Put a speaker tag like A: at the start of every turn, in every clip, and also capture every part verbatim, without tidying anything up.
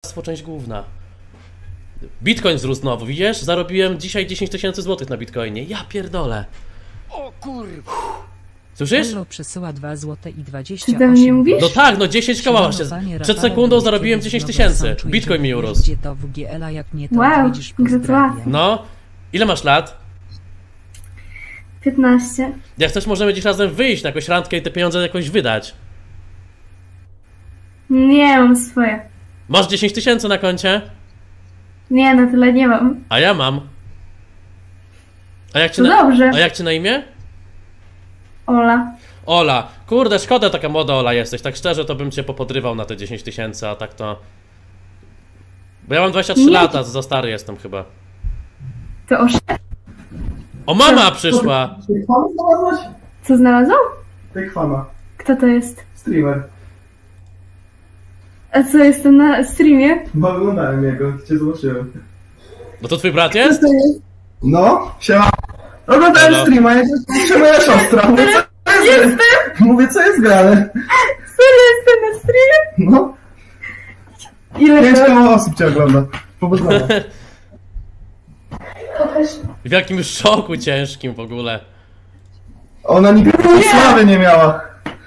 A: część główna. Bitcoin wzrósł znowu, widzisz? Zarobiłem dzisiaj dziesięć tysięcy złotych na Bitcoinie. Ja pierdolę.
B: O kurwa.
A: Słyszysz?
C: Hello przesyła dwa złote i dwadzieścia
D: Czy
C: osiem.
D: do mnie mówisz?
A: No tak, no dziesięć koła właśnie. Przed sekundą zarobiłem dziesięć tysięcy. Bitcoin mi urósł.
C: Gdzie to w G L A, jak nie to
D: Wow,
C: widzisz,
D: gratulacje.
C: pozdrawiam.
A: No. Ile masz lat?
D: piętnaście.
A: Jak chcesz, możemy dziś razem wyjść na jakąś randkę i te pieniądze jakoś wydać.
D: Nie, mam swoje.
A: Masz dziesięć tysięcy na koncie?
D: Nie, na tyle nie mam.
A: A ja mam. A jak cię
D: To
A: na...
D: dobrze.
A: A jak cię na imię?
D: Ola.
A: Ola. Kurde, szkoda, taka młoda Ola jesteś. Tak szczerze, to bym cię popodrywał na te dziesięć tysięcy, a tak to... Bo ja mam dwadzieścia trzy
D: Nie.
A: lata, za stary jestem chyba.
D: To osz...
A: O, mama przyszła!
E: Tych fan znalazłaś?
D: Co znalazłam?
E: Tych fana.
D: Kto to jest?
E: Streamer.
D: A co, jestem na streamie?
E: Bo oglądałem jego, cię zobaczyłem.
A: No to twój brat jest?
D: Co to jest?
E: No, siema. Oglądałem
A: Halo.
E: streama, jak się moja siostra. Mówię, co jest,
D: Jestem!
E: mówię, co jest grane.
D: Serio jestem na streamie?
E: No,
D: Ile
E: pięć
D: to?
E: koło osób cię ogląda. Powodzenia.
D: Pokaż.
A: W jakim szoku ciężkim w ogóle.
E: Ona nigdy sławy nie miała.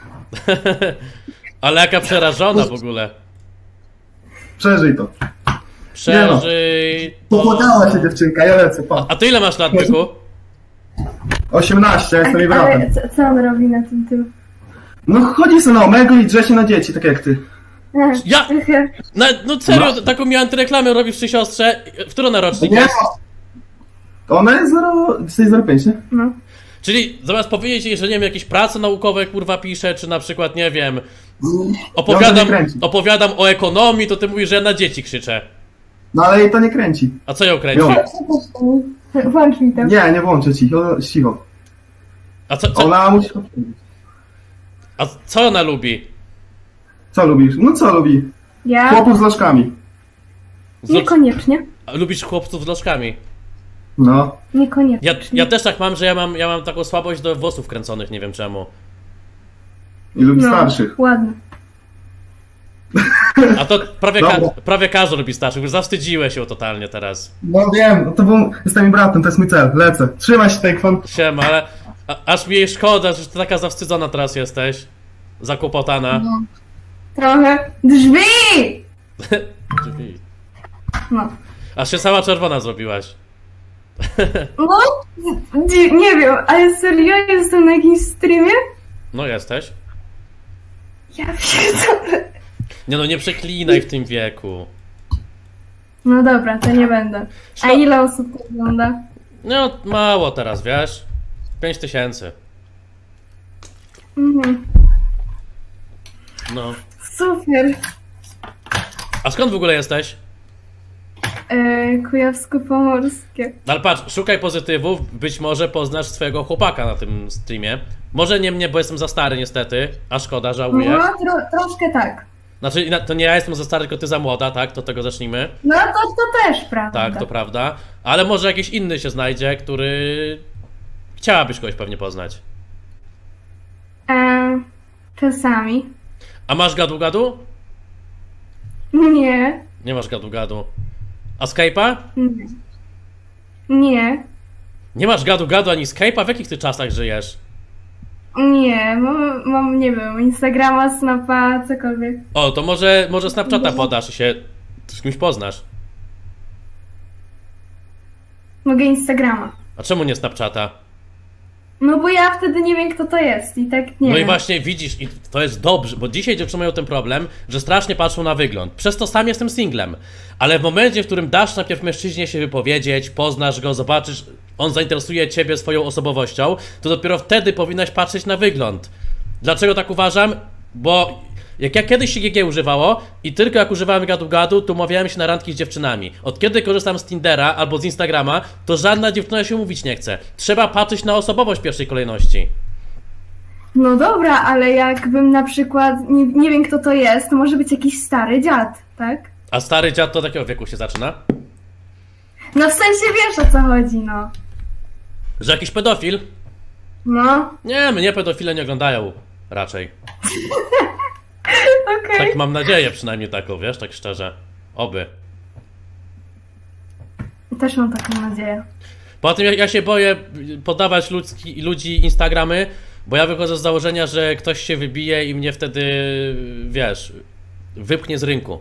A: Ale jaka przerażona w ogóle.
E: Przeżyj to.
A: Przeżyj... to-
E: Popłakała się dziewczynka, ja lecę, pa.
A: A ty ile masz lat, byku?
E: osiemnaście, ja jestem jej
D: Ale
E: bratem.
D: co, co on robi na tym tylu?
E: No chodzi sobie na omega i drze się na dzieci, tak jak ty.
D: A,
A: Ja-
D: trochę.
A: No, no serio,
E: No.
A: taką mi antyreklamę robisz przy siostrze. W którą na rocznik
E: Nie
A: jest?
E: Ona jest zero, jesteś zero pięć, nie?
D: No.
A: Czyli zamiast powiedzieć jej, że nie wiem, jakieś prace naukowe kurwa piszę, czy na przykład, nie wiem, opowiadam,
E: Ją to nie kręci.
A: opowiadam o ekonomii, to ty mówisz, że ja na dzieci krzyczę.
E: No ale jej to nie kręci.
A: A co ją kręci?
E: Jo.
D: Włącz mi to.
E: Nie, nie włączę ci, ona cicho.
A: A co, co,
E: Ona musi...
A: a co ona lubi?
E: Co lubisz? No co lubi?
D: Ja?
E: Chłopów z lożkami.
A: Z lo-
D: Niekoniecznie.
A: A lubisz chłopców z lożkami?
E: No.
D: Niekoniecznie.
A: Ja, ja też tak mam, że ja mam, ja mam taką słabość do włosów kręconych, nie wiem czemu.
E: I lubi
D: No,
E: starszych.
D: ładnie.
A: A to prawie, ka-
E: Dobra.
A: prawie każdy lubi starszych, już zawstydziłeś się totalnie teraz.
E: No wiem, no to był... Jestem jej bratem, to jest mój cel. Lecę. Trzymaj się, Takefan.
A: Siema, ale a, aż mi jej szkoda, że ty taka zawstydzona teraz jesteś. Zakłopotana.
D: Trochę. Drzwi!
A: Drzwi.
D: No.
A: Aż się cała czerwona zrobiłaś.
D: No, dzi- nie wiem, ale serio jestem na jakimś streamie?
A: No jesteś.
D: Ja pierdolę.
A: Nie no, nie przeklinaj w tym wieku.
D: No dobra, to nie będę. A
A: Szko-
D: ile osób to ogląda?
A: No, mało teraz, wiesz? Pięć tysięcy.
D: Mhm.
A: No.
D: Super.
A: A skąd w ogóle jesteś?
D: E, Kujawsko-Pomorskie.
A: Ale patrz, szukaj pozytywów, być może poznasz swojego chłopaka na tym streamie. Może nie mnie, bo jestem za stary niestety, a szkoda, żałuję.
D: No, tro, troszkę tak.
A: Znaczy, na- to nie ja jestem za stary, tylko ty za młoda, tak? To od tego zacznijmy.
D: No to, to też prawda.
A: Tak, to prawda. Ale może jakiś inny się znajdzie, który... Chciałabyś kogoś pewnie poznać.
D: E, czasami.
A: A masz gadu-gadu?
D: Nie.
A: Nie masz gadu-gadu. A Skype'a?
D: Nie. Nie.
A: Nie masz gadu-gadu ani Skype'a? W jakich ty czasach żyjesz?
D: Nie, mam, mam, nie wiem, Instagrama, Snapa, cokolwiek.
A: O, to może, może Snapchata podasz i się z kimś poznasz.
D: Mogę Instagrama.
A: A czemu nie Snapchata?
D: No bo ja wtedy nie wiem, kto to jest i tak nie
A: No i
D: wiem.
A: właśnie widzisz, i to jest dobrze, bo dzisiaj dziewczyny mają ten problem, że strasznie patrzą na wygląd. Przez to sam jestem singlem. Ale w momencie, w którym dasz najpierw mężczyźnie się wypowiedzieć, poznasz go, zobaczysz, on zainteresuje ciebie swoją osobowością, to dopiero wtedy powinnaś patrzeć na wygląd. Dlaczego tak uważam? Bo jak ja kiedyś się G G używało i tylko jak używałem gadu-gadu, to umawiałem się na randki z dziewczynami. Od kiedy korzystam z Tindera albo z Instagrama, to żadna dziewczyna się mówić nie chce. Trzeba patrzeć na osobowość w pierwszej kolejności.
D: No dobra, ale jakbym na przykład, nie, nie wiem kto to jest, to może być jakiś stary dziad, tak?
A: A stary dziad to do takiego wieku się zaczyna?
D: No w sensie wiesz o co chodzi, no.
A: Że jakiś pedofil?
D: No,
A: Nie, mnie pedofile nie oglądają raczej.
D: okej.
A: Tak mam nadzieję, przynajmniej taką, wiesz, tak szczerze. Oby.
D: Też mam taką nadzieję.
A: Poza tym ja, ja się boję podawać ludzki, ludzi Instagramy, bo ja wychodzę z założenia, że ktoś się wybije i mnie wtedy, wiesz, wypchnie z rynku.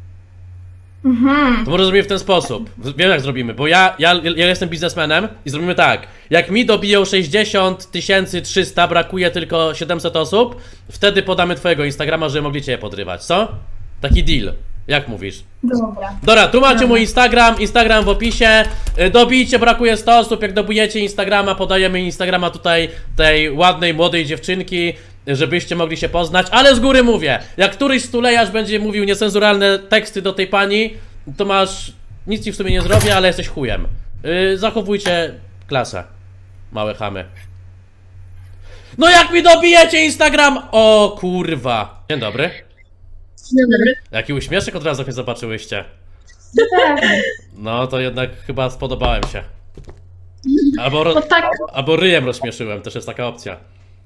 D: Mhm.
A: To może zrobimy w ten sposób. Wiem jak zrobimy, bo ja, ja, ja jestem biznesmenem i zrobimy tak. Jak mi dobiją sześćdziesiąt tysięcy trzysta, brakuje tylko siedemset osób, wtedy podamy twojego Instagrama, żeby mogli cię podrywać, co? Taki deal. Jak mówisz?
D: Dobra.
A: Dobra, tu macie mój Instagram, Instagram w opisie. Y, Dobijcie, brakuje sto osób. Jak dobujecie Instagrama, podajemy Instagrama tutaj tej ładnej, młodej dziewczynki, żebyście mogli się poznać. Ale z góry mówię, jak któryś stulejarz będzie mówił niecenzuralne teksty do tej pani, to masz, nic ci w sumie nie zrobię, ale jesteś chujem. Y, Zachowujcie klasę, małe chamy. No jak mi dobijecie Instagram? O kurwa. Dzień dobry.
F: Dzień dobry.
A: Jaki uśmieszek od razu jak mnie zobaczyłyście. No to jednak chyba spodobałem się. Albo, ro...
F: No tak,
A: Albo ryjem rozśmieszyłem, też jest taka opcja.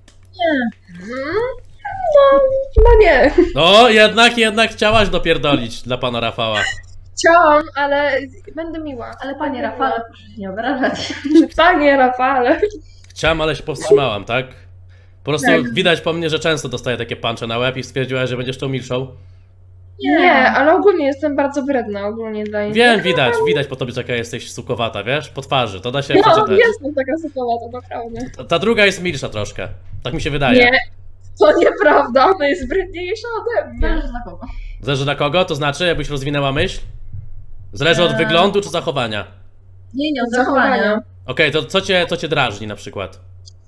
F: no, no nie.
A: No jednak, jednak chciałaś dopierdolić dla pana Rafała.
F: Chciałam, ale będę miła.
G: Ale panie Rafale, proszę się nie obrażać.
F: Panie Rafale.
A: Chciałam, ale się powstrzymałam, tak? Po prostu
F: Tak.
A: widać po mnie, że często dostaję takie puncze na łeb i stwierdziłaś, że będziesz tą milszą.
F: Nie, ale ogólnie jestem bardzo wredna ogólnie dla innych.
A: Wiem, widać, widać po tobie, jaka jesteś sukowata, wiesz? Po twarzy, to da się
F: No,
A: przeczytać.
F: jestem taka sytuacja, naprawdę.
A: Ta, ta druga jest milsza troszkę. Tak mi się wydaje.
F: Nie, to nieprawda, ona jest wredniejsza ode mnie.
G: Zależy na kogo.
A: Zależy na kogo? To znaczy, jakbyś rozwinęła myśl? Zależy od
G: Eee.
A: wyglądu czy zachowania?
G: Nie, nie, od
F: Zachowania.
G: zachowania.
A: Okej, to co cię, co cię drażni na przykład?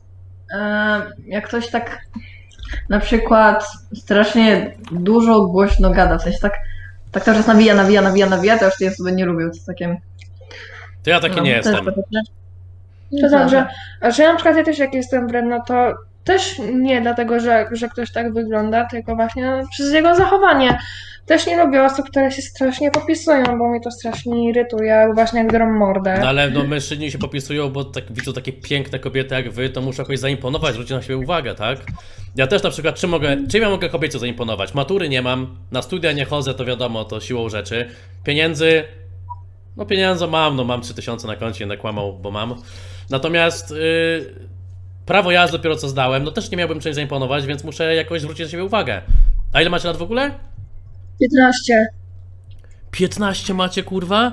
G: E, jak ktoś tak na przykład strasznie dużo głośno gada, w sensie tak, tak cały czas nawija, nawija, nawija, nawija, to już tej osoby nie lubię, to jest takie...
A: To ja taki
G: no,
A: nie
G: to
A: jestem.
G: jest takie-
F: To dobrze. A że ja na przykład ja też jak jestem wredna, to też nie dlatego, że, że ktoś tak wygląda, tylko właśnie przez jego zachowanie. Też nie lubię osób, które się strasznie popisują, bo mnie to strasznie irytuje, właśnie jak drą mordę.
A: No ale no mężczyźni się popisują, bo tak widzą takie piękne kobiety jak wy, to muszę jakoś zaimponować, zwrócić na siebie uwagę, tak? Ja też na przykład, czym mogę, czym ja mogę kobiecie zaimponować? Matury nie mam, na studia nie chodzę, to wiadomo, to siłą rzeczy. Pieniędzy, no pieniądze mam, no mam trzy tysiące na koncie, nie kłamał, bo mam. Natomiast yy, prawo jazdy dopiero co zdałem, no też nie miałbym czymś zaimponować, więc muszę jakoś zwrócić na siebie uwagę. A ile macie lat w ogóle?
F: piętnaście.
A: piętnaście macie, kurwa?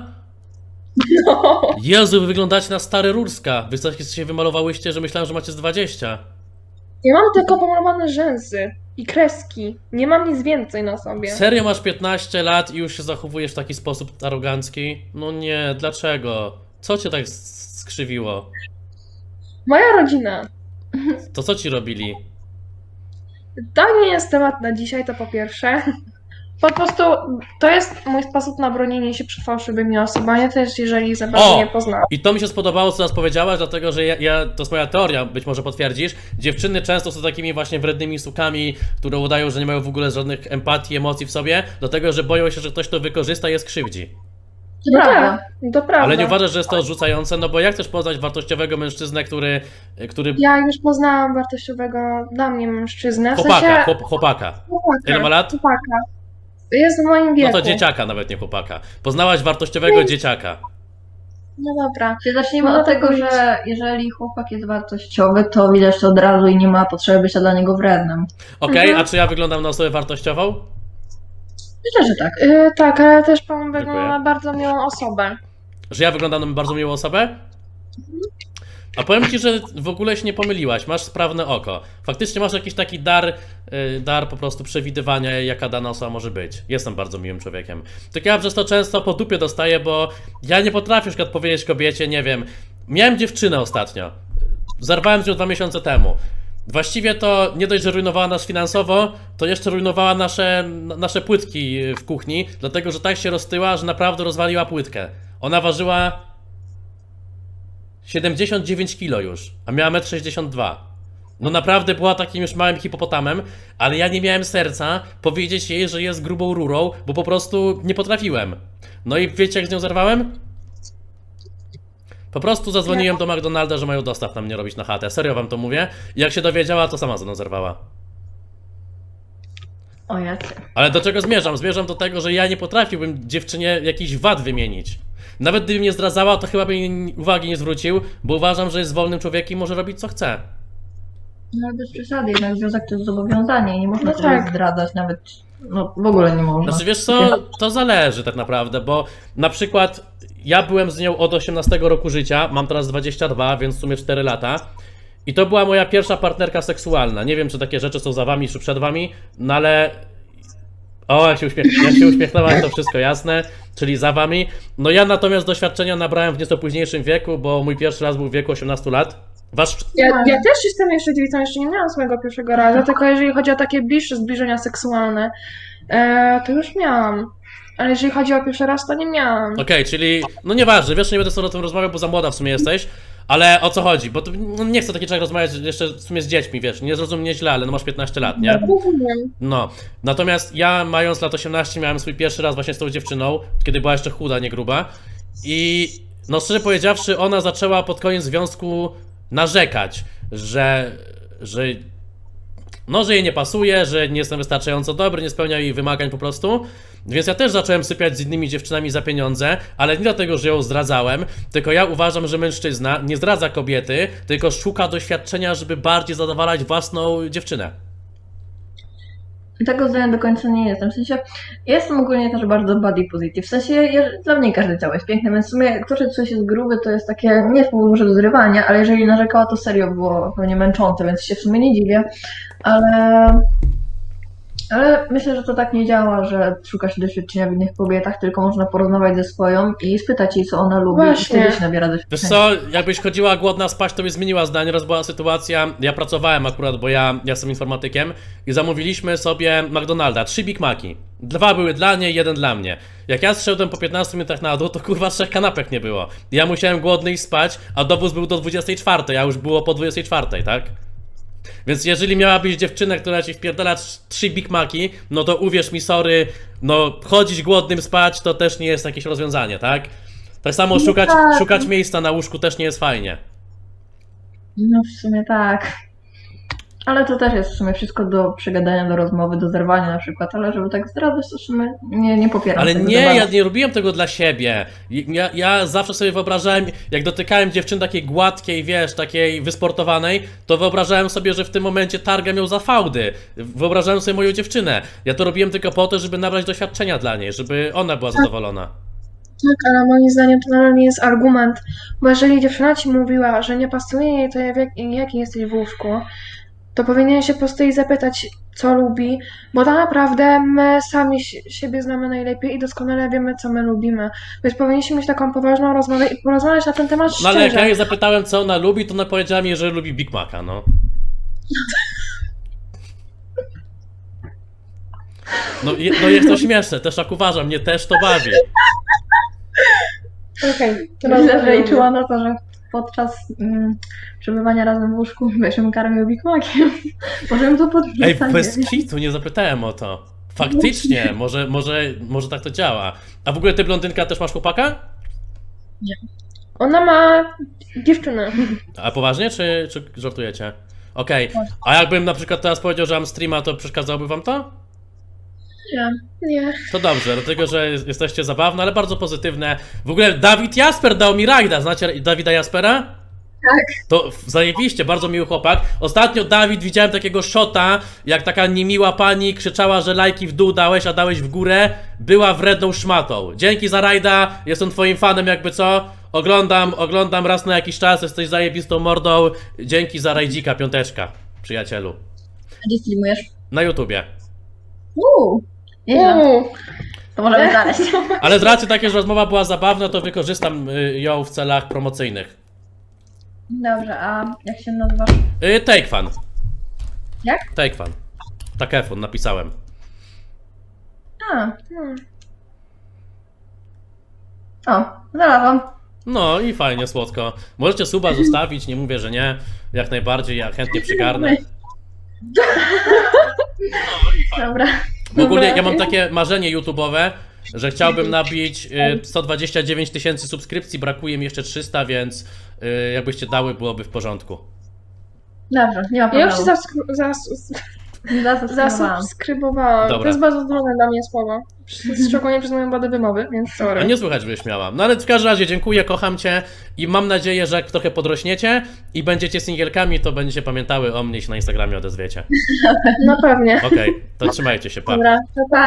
F: No.
A: Jezu, wy wyglądacie na stare Rurska. Wy coś się wymalowałyście, że myślałem, że macie z dwadzieścia.
F: Ja mam tylko pomalowane rzęsy i kreski. Nie mam nic więcej na sobie.
A: Serio masz piętnaście lat i już się zachowujesz w taki sposób arogancki? No nie, dlaczego? Co cię tak s- skrzywiło?
F: Moja rodzina.
A: To co ci robili?
F: To nie jest temat na dzisiaj, to po pierwsze. Po prostu to jest mój sposób na bronienie się przed fałszywymi osobami, też jeżeli za bardzo
A: O!
F: nie poznałam.
A: I to mi się spodobało, co nas powiedziałaś, dlatego że ja, ja, to jest moja teoria, być może potwierdzisz. Dziewczyny często są takimi właśnie wrednymi sukami, które udają, że nie mają w ogóle żadnych empatii, emocji w sobie, dlatego że boją się, że ktoś to wykorzysta i je skrzywdzi.
G: To
F: No
G: prawda.
F: tak, to prawda.
A: Ale nie uważasz, że jest to odrzucające? No bo jak chcesz poznać wartościowego mężczyznę, który... który...
F: Ja już poznałam wartościowego dla mnie mężczyznę. W
A: Chłopaka,
F: sensie...
A: chłop, chłopaka.
F: chłopaka.
A: Ile ma lat?
F: Chłopaka. Jest w moim wieku.
A: No to dzieciaka, nawet nie chłopaka. Poznałaś wartościowego dzieciaka.
F: No dobra.
G: Czyli zacznijmy
F: No
G: od
F: to
G: tego,
F: powiedz.
G: że jeżeli chłopak jest wartościowy, to widać to od razu i nie ma potrzeby bycia dla niego wrednym.
A: Okej,
F: Mhm.
A: a czy ja wyglądam na osobę wartościową?
G: Myślę, że tak.
F: Yy, tak, ale też pan wygląda
A: Dziękuję.
F: na bardzo miłą osobę.
A: Że ja wyglądam na bardzo miłą osobę? A powiem ci, że w ogóle się nie pomyliłaś, masz sprawne oko. Faktycznie masz jakiś taki dar, yy, dar po prostu przewidywania, jaka dana osoba może być. Jestem bardzo miłym człowiekiem. Tylko ja przez to często po dupie dostaję, bo ja nie potrafię na przykład powiedzieć kobiecie, nie wiem, miałem dziewczynę ostatnio, zerwałem z nią dwa miesiące temu. Właściwie to nie dość, że rujnowała nas finansowo, to jeszcze rujnowała nasze, nasze płytki w kuchni, dlatego że tak się roztyła, że naprawdę rozwaliła płytkę. Ona ważyła siedemdziesiąt dziewięć kilo już, a miała metr sześćdziesiąt dwa. No naprawdę była takim już małym hipopotamem, ale ja nie miałem serca powiedzieć jej, że jest grubą rurą, bo po prostu nie potrafiłem. No i wiecie jak z nią zerwałem? Po prostu zadzwoniłem do McDonalda, że mają dostaw na mnie robić na chatę. Serio wam to mówię. I jak się dowiedziała, to sama ze mną zerwała.
G: O jacie.
A: Ale do czego zmierzam? Zmierzam do tego, że ja nie potrafiłbym dziewczynie jakichś wad wymienić. Nawet gdyby mnie zdradzała, to chyba bym uwagi nie zwrócił, bo uważam, że jest wolnym człowiekiem i może robić co chce.
G: No ale bez przesady, jednak związek to jest zobowiązanie i nie można
F: No
G: sobie
F: tak.
G: zdradzać nawet, no w ogóle nie można.
A: Znaczy wiesz co, to zależy tak naprawdę, bo na przykład ja byłem z nią od osiemnastego roku życia, mam teraz dwadzieścia dwa, więc w sumie cztery lata. I to była moja pierwsza partnerka seksualna. Nie wiem, czy takie rzeczy są za wami, czy przed wami, no ale... O, jak się, uśmiech... jak się uśmiechnęłaś, to wszystko jasne, czyli za wami. No ja natomiast doświadczenia nabrałem w nieco późniejszym wieku, bo mój pierwszy raz był w wieku osiemnastu lat. Wasz...
F: Ja, ja też jestem jeszcze dziewicą, jeszcze nie miałam swojego pierwszego razu, tylko jeżeli chodzi o takie bliższe zbliżenia seksualne, e, to już miałam. Ale jeżeli chodzi o pierwszy raz, to nie miałam.
A: Okej, czyli, no nieważne, wiesz, nie będę sobie o tym rozmawiał, bo za młoda w sumie jesteś, ale o co chodzi? Bo to, no nie chcę taki człowiek rozmawiać jeszcze w sumie z dziećmi, wiesz, nie zrozum mnie źle, ale no masz piętnaście lat, nie?
F: Rozumiem.
A: No, natomiast ja mając lat osiemnaście miałem swój pierwszy raz właśnie z tą dziewczyną, kiedy była jeszcze chuda, nie gruba i no szczerze powiedziawszy, ona zaczęła pod koniec związku narzekać, że, że no, że jej nie pasuje, że nie jestem wystarczająco dobry, nie spełnia jej wymagań po prostu. Więc ja też zacząłem sypiać z innymi dziewczynami za pieniądze, ale nie dlatego, że ją zdradzałem, tylko ja uważam, że mężczyzna nie zdradza kobiety, tylko szuka doświadczenia, żeby bardziej zadowalać własną dziewczynę.
G: Tego zdania do końca nie jestem. W sensie, ja jestem ogólnie też bardzo body positive. W sensie, ja, dla mnie każde ciało jest piękne, więc w sumie to, że coś jest grube, to jest takie, nie jest może do zrywania, ale jeżeli narzekała, to serio było pewnie męczące, więc się w sumie nie dziwię. Ale... Ale myślę, że to tak nie działa, że szuka się doświadczenia w innych kobietach, tylko można porozmawiać ze swoją i spytać jej, co ona lubi
F: Właśnie.
G: i wtedy się nabiera
A: Wiesz
G: doświadczenia.
A: co, jakbyś chodziła głodna spać, to by zmieniła zdanie. Raz była sytuacja, ja pracowałem akurat, bo ja, ja jestem informatykiem i zamówiliśmy sobie McDonalda, trzy Big Maci. Dwa były dla niej, jeden dla mnie. Jak ja zszedłem po piętnastu minutach na dół, to kurwa trzech kanapek nie było. Ja musiałem głodny iść spać, a dowóz był do dwudziestej czwartej, a już było po dwudziestej czwartej, tak? Więc jeżeli miałabyś dziewczynę, która ci wpierdala trzy Big Maci, no to uwierz mi, sorry, no chodzić głodnym spać to też nie jest jakieś rozwiązanie, tak? Tak samo szukać,
G: tak.
A: szukać miejsca na łóżku też nie jest fajnie.
G: No w sumie tak. Ale to też jest w sumie wszystko do przegadania, do rozmowy, do zerwania na przykład, ale żeby tak zdradzać, to w sumie nie, nie popieram
A: Ale
G: tego
A: nie,
G: za
A: ja
G: bardzo.
A: nie robiłem tego dla siebie. Ja, ja zawsze sobie wyobrażałem, jak dotykałem dziewczyny takiej gładkiej, wiesz, takiej wysportowanej, to wyobrażałem sobie, że w tym momencie targam ją za fałdy. Wyobrażałem sobie moją dziewczynę. Ja to robiłem tylko po to, żeby nabrać doświadczenia dla niej, żeby ona była zadowolona.
F: Tak, ale moim zdaniem to nadal nie jest argument, bo jeżeli dziewczyna ci mówiła, że nie pasuje jej to, jak, jaki jesteś w łóżku, to powinien się po prostu jej zapytać, co lubi, bo tak naprawdę my sami si- siebie znamy najlepiej i doskonale wiemy, co my lubimy. Więc powinniśmy mieć taką poważną rozmowę i porozmawiać na ten temat
A: No ale jak
F: szczerze.
A: ja jej zapytałem, co ona lubi, to ona powiedziała mi, że lubi Big Maca, no. No, je, no jest to śmieszne, też tak uważam, mnie też to bawi.
F: Okej, to
G: Myślę, że
F: rozmawiamy.
G: liczyła na to, że podczas mm, przebywania razem w łóżku wiesz, ją karmił Big Maciem. Może ją to
A: Ej,
G: podnieca,
A: bez
G: nie?
A: kitu, nie zapytałem o to. Faktycznie, może, może, może tak to działa. A w ogóle ty, blondynka, też masz chłopaka?
F: Ona ma dziewczynę.
A: A poważnie, czy, czy żartujecie? Okej, a jakbym na przykład teraz powiedział, że mam streama, to przeszkadzałoby wam to?
G: Nie.
F: Nie.
A: To dobrze, dlatego że jesteście zabawne, ale bardzo pozytywne. W ogóle Dawid Jasper dał mi rajda, znacie Dawida Jaspera? Tak. To zajebiście, bardzo miły chłopak. Ostatnio, Dawid, widziałem takiego shota, jak taka niemiła pani krzyczała, że lajki w dół dałeś, a dałeś w górę. Była wredną szmatą. Dzięki za rajda, jestem twoim fanem jakby co. Oglądam, oglądam raz na jakiś czas, jesteś zajebistą mordą. Dzięki za rajdzika, piąteczka, przyjacielu.
G: A gdzie streamujesz?
A: Na YouTubie.
G: Uuu, nieźle.
F: Uuu.
G: To możemy znaleźć.
A: Ale z racji takiej, że rozmowa była zabawna, to wykorzystam y, ją w celach promocyjnych.
G: Dobrze, a jak się nazywasz?
A: Y, Take Fan.
G: Jak?
A: Take Fan. Takefun napisałem.
G: A,
F: Hmm.
G: o, znalazłam.
A: No i fajnie, słodko. Możecie suba zostawić, nie mówię, że nie. Jak najbardziej, ja chętnie przygarnę.
G: Dobra.
A: W ogóle ja mam takie marzenie YouTube'owe, że chciałbym nabić y, sto dwadzieścia dziewięć tysięcy subskrypcji, brakuje mi jeszcze trzysta, więc y, jakbyście dały, byłoby w porządku.
G: Dobrze, nie ma
F: Ja już
G: problemu.
F: się zaskru- zas-
G: Zasubskrybowałam.
F: Zasubskrybowałam.
A: Dobra.
F: To jest bardzo trudne dla mnie słowo. Szczególnie przez moją wadę wymowy, więc
A: A
F: sorry.
A: nie słychać, żebyś miała. No ale w każdym razie dziękuję, kocham cię i mam nadzieję, że jak trochę podrośniecie i będziecie singielkami, to będziecie pamiętały o mnie i się na Instagramie odezwiecie.
F: No pewnie.
A: Okej, to trzymajcie się, pa.
F: Dobra, to pa.